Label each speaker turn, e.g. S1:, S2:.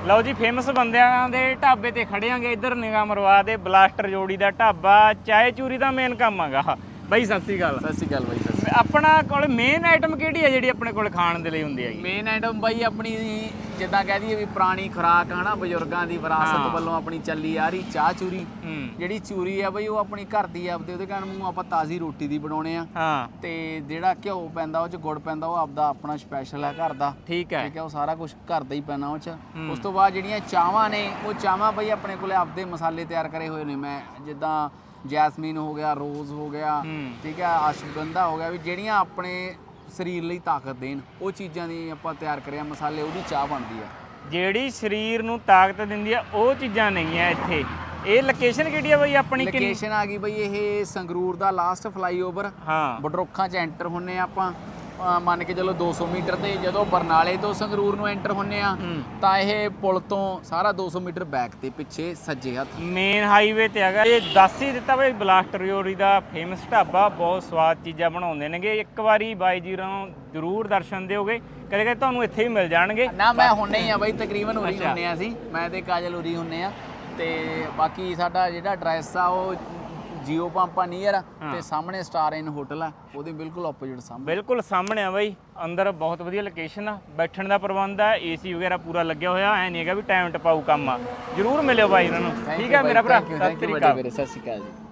S1: ਲਓ ਜੀ ਫੇਮਸ ਬੰਦਿਆਂ ਦੇ ਢਾਬੇ ਤੇ ਖੜੇ ਆਂਗੇ। ਇੱਧਰ ਨਿਗਾਹ ਮਰਵਾ ਦੇ ਬਲਾਸਟਰ ਜੋੜੀ ਦਾ ਢਾਬਾ, ਚਾਏ ਚੂਰੀ ਦਾ ਮੇਨ ਕੰਮ ਹੈਗਾ। ਬਾਈ ਸਤਿ ਸ਼੍ਰੀ ਅਕਾਲ।
S2: ਸਤਿ ਸ਼੍ਰੀ ਅਕਾਲ ਬਾਈ।
S1: ਆਪਣਾ ਕੋਲ ਮੇਨ ਆਈਟਮ ਕਿਹੜੀ ਹੈ ਜਿਹੜੀ ਆਪਣੇ ਕੋਲ ਖਾਣ ਦੇ ਲਈ ਹੁੰਦੀ ਹੈਗੀ?
S2: ਮੇਨ ਆਈਟਮ ਬਾਈ ਆਪਣੀ ਜਿੱਦਾਂ ਕਹਿ ਦਈਏ ਵੀ ਪੁਰਾਣੀ ਖੁਰਾਕ ਹਨਾ, ਬਜ਼ੁਰਗਾਂ ਦੀ ਵਿਰਾਸਤ ਵੱਲੋਂ ਆਪਣੀ ਚੱਲੀ ਆ ਰਹੀ ਚਾਹ ਚੂਰੀ। ਜਿਹੜੀ ਚੂਰੀ ਆ ਬਈ ਉਹ ਆਪਣੀ ਘਰ ਦੀ ਆਪਦੇ, ਉਹਦੇ ਕਹਿਣ ਨੂੰ ਆਪਾਂ ਤਾਜ਼ੀ ਰੋਟੀ ਦੀ ਬਣਾਉਣੇ ਆ।
S1: ਹਾਂ
S2: ਤੇ ਜਿਹੜਾ ਘਿਓ ਪੈਂਦਾ ਉਹ ਚ ਗੁੜ ਪੈਂਦਾ ਉਹ ਆਪਦਾ ਆਪਣਾ ਸਪੈਸ਼ਲ ਹੈ ਘਰ ਦਾ।
S1: ਠੀਕ ਹੈ
S2: ਉਹ ਸਾਰਾ ਕੁਝ ਘਰ ਦਾ ਹੀ ਪੈਣਾ ਉਹ ਚ। ਉਸ ਤੋਂ ਬਾਅਦ ਜਿਹੜੀਆਂ ਚਾਵਾਂ ਨੇ ਉਹ ਚਾਵਾਂ ਬਈ ਆਪਣੇ ਕੋਲੇ ਆਪਦੇ ਮਸਾਲੇ ਤਿਆਰ ਕਰੇ ਹੋਏ ਨੇ। ਮੈਂ ਜਿੱਦਾਂ ਜੈਸਮੀਨ ਹੋ ਗਿਆ, ਰੋਜ਼ ਹੋ ਗਿਆ, ਠੀਕ ਹੈ, ਅਸ਼ਵਗੰਧਾ ਹੋ ਗਿਆ, ਵੀ ਜਿਹੜੀਆਂ ਆਪਣੇ ਸਰੀਰ ਲਈ ਤਾਕਤ ਦੇਣ ਉਹ ਚੀਜ਼ਾਂ ਦੀ ਆਪਾਂ ਤਿਆਰ ਕਰਿਆ ਮਸਾਲੇ, ਉਹਦੀ ਚਾਹ ਬਣਦੀ ਆ।
S1: ਜਿਹੜੀ ਸਰੀਰ ਨੂੰ ਤਾਕਤ ਦਿੰਦੀ ਆ ਉਹ ਚੀਜ਼ਾਂ ਨਹੀਂ ਆ ਇੱਥੇ। ਇਹ ਲੋਕੇਸ਼ਨ ਕਿਹੜੀ ਆ ਬਈ ਆਪਣੀ?
S2: ਲੋਕੇਸ਼ਨ ਆ ਗਈ ਬਈ ਇਹ ਸੰਗਰੂਰ ਦਾ ਲਾਸਟ ਫਲਾਈਓਵਰ।
S1: ਹਾਂ
S2: ਬਡਰੋਖਾਂ 'ਚ ਐਂਟਰ ਹੁੰਨੇ ਆਪਾਂ, ਮੰਨ ਕੇ ਚਲੋ 200 ਮੀਟਰ ਤੇ। ਜਦੋਂ ਬਰਨਾਲੇ ਤੋਂ ਸੰਗਰੂਰ ਨੂੰ ਐਂਟਰ ਹੁੰਨੇ ਆ ਤਾਂ ਇਹ ਪੁਲ ਤੋਂ ਸਾਰਾ 200 ਮੀਟਰ ਬੈਕ ਤੇ ਪਿੱਛੇ ਸੱਜੇ ਹੱਥ ਮੇਨ
S1: ਹਾਈਵੇ ਤੇ ਹੈਗਾ। ਇਹ ਦੱਸ ਹੀ ਦਿੱਤਾ ਬਈ ਬਲਾਸਟਰ ਜੋੜੀ ਦਾ ਫੇਮਸ ਢਾਬਾ, ਬਹੁਤ ਸਵਾਦ ਚੀਜ਼ਾਂ ਬਣਾਉਂਦੇ ਨੇਗੇ। ਇੱਕ ਵਾਰੀ ਬਾਈ ਜੀ ਨੂੰ ਜ਼ਰੂਰ ਦਰਸ਼ਨ ਦਿਓਗੇ, ਕਦੇ ਕਦੇ ਤੁਹਾਨੂੰ ਇੱਥੇ ਹੀ ਮਿਲ ਜਾਣਗੇ
S2: ਨਾ। ਮੈਂ ਹੁੰਨੇ ਹੀ ਆ ਬਈ, ਤਕਰੀਬਨ ਉਰੀ ਹੁੰਨੇ ਆ ਅਸੀਂ, ਮੈਂ ਤੇ ਕਾਜਲ ਉਰੀ ਹੁੰਨੇ ਆ। ਤੇ ਬਾਕੀ ਸਾਡਾ ਜਿਹੜਾ ਐਡਰੈਸ ਆ ਉਹ ਜੀਓ ਪੰਪਾ ਨੀਅਰ ਤੇ ਸਾਹਮਣੇ ਸਟਾਰ ਇਨ ਹੋਟਲ ਆ, ਉਹਦੇ ਬਿਲਕੁਲ ਆਪੋਜ਼ਿਟ ਸਾਹਮਣੇ। ਬਿਲਕੁਲ
S1: ਸਾਹਮਣੇ ਆ ਬਾਈ। ਅੰਦਰ ਬਹੁਤ ਵਧੀਆ ਲੋਕੇਸ਼ਨ ਆ, ਬੈਠਣ ਦਾ ਪ੍ਰਬੰਧ ਆ, ਏਸੀ ਵਗੈਰਾ ਪੂਰਾ ਲੱਗਿਆ ਹੋਇਆ। ਐ ਨਹੀਂ ਹੈਗਾ ਵੀ ਟਾਈਮ ਟਪਾਊ ਕੰਮ ਆ। ਜਰੂਰ ਮਿਲਿਓ ਬਾਈ ਇਹਨਾਂ ਨੂੰ। ਠੀਕ ਹੈ ਮੇਰਾ ਭਰਾ, ਸਤਿ ਸ਼੍ਰੀ ਅਕਾਲ।
S2: ਸਤਿ ਸ਼੍ਰੀ ਅਕਾਲ ਜੀ।